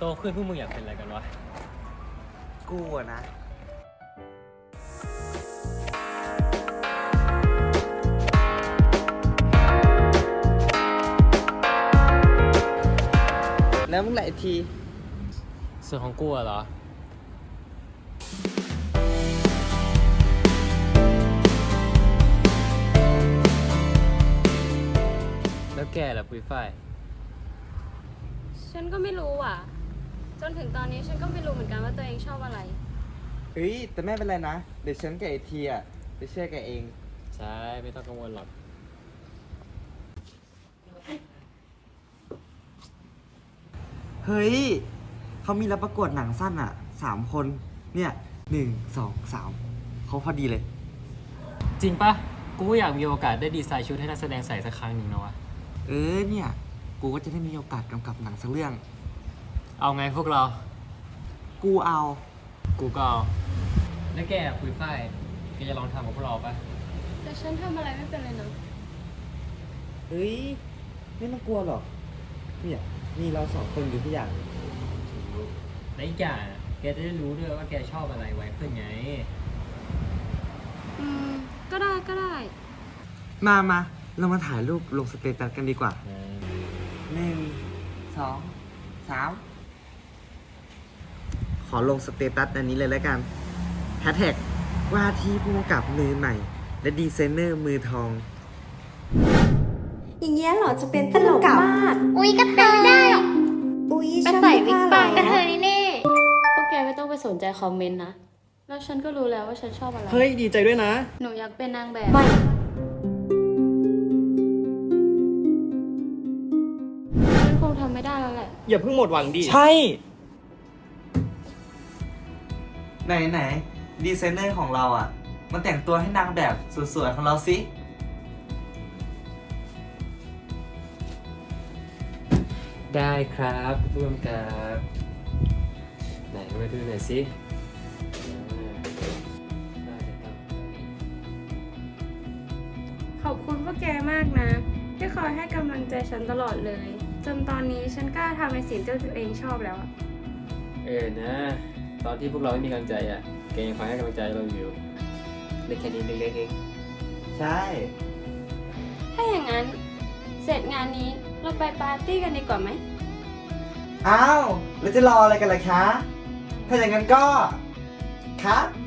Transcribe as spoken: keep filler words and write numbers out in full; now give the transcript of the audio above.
โตขึ้นพวกมึงอยากเป็นอะไรกันวะกูอะนะแล้วมึงไหนทีส่วนของกูอะเหรอแล้วแกล่ะปุ้ยฝ้ายฉันก็ไม่รู้อ่ะ จนถึงตอนนี้ฉันก็ไม่รู้เหมือนกันว่าตัวเองชอบอะไรเฮ้ยแต่ไม่เป็นไรนะเดี๋ยวฉันกับไอทีอะจะเชื่อแกเองใช่ไม่ต้องกังวลหรอกเฮ้ยเขามีรับประกวดหนังสั้นอะสามคนเนี่ยหนึ่งสองสามเขาพอดีเลยจริงปะกูก็อยากมีโอกาสได้ดีไซน์ชุดให้นักแสดงใส่สักครั้งหนึ่งนะวะเออเนี่ยกูก็จะได้มีโอกาสกำกับหนังสักเรื่องเอาไงพวกเรากูเอากูก็เอาแล้วแกปุ้ยฝ้ายแกจะลองทำกับพวกเราปะแต่ฉันทำอะไรไม่เป็นเลยนะเฮ้ยไม่ต้องกลัวหรอกเนี่ยมีเราสองคนอยู่ที่อย่างและอีกอย่างอะแกจะได้รู้ด้วยว่าแกชอบอะไรไว้เพื่อนไงอืม ก็ได้ก็ได้มามาเรามาถ่ายรูปลงสเตตัสกันดีกว่าหนึ่งสองสามขอลงสเตตัสอันนี้เลยแล้วกันแฮชแท็กว่าที่ผู้กำกับมือใหม่ และดีไซเนอร์มือทองอย่างเงี้ยเหรอจะเป็นตลกมากอุ๊ยก็เป็นไม่ได้หรอกอุ๊ยไปใส่วิกปากกระเทยยนี่แน่พวกแกไม่ต้องไปสนใจคอมเมนต์นะ แล้วฉันก็รู้แล้วว่าฉันชอบอะไรเฮ้ยดีใจด้วยนะหนูอยากเป็นนางแบบไม่ฉันคงทำไม่ได้แล้วแหละอย่าเพิ่งหมดหวังดิใช่ ไหนไหนดีไซเนอร์ของเราอ่ะมันแต่งตัวให้นางแบบสวยๆของเราสิได้ครับร่วมกับไหนมาดูหน่อยสิได้ครับขอบคุณพวกแกมากนะ ที่คอยให้กำลังใจฉันตลอดเลย จนตอนนี้ฉันกล้าทำในสิ่งที่ตัวเองชอบแล้วอะเออนะ ตอนที่พวกเราไม่มีกำลังใจอ่ะแกยังคอยให้กำลังใจเราอยู่เล็กแค่นี้เล็กๆเองใช่ถ้าอย่างนั้น เสร็จงานนี้เราไปปาร์ตี้กันดีกว่าไหมอ้าวแล้วจะรออะไรกันล่ะคะ ถ้าอย่างนั้นก็ครับ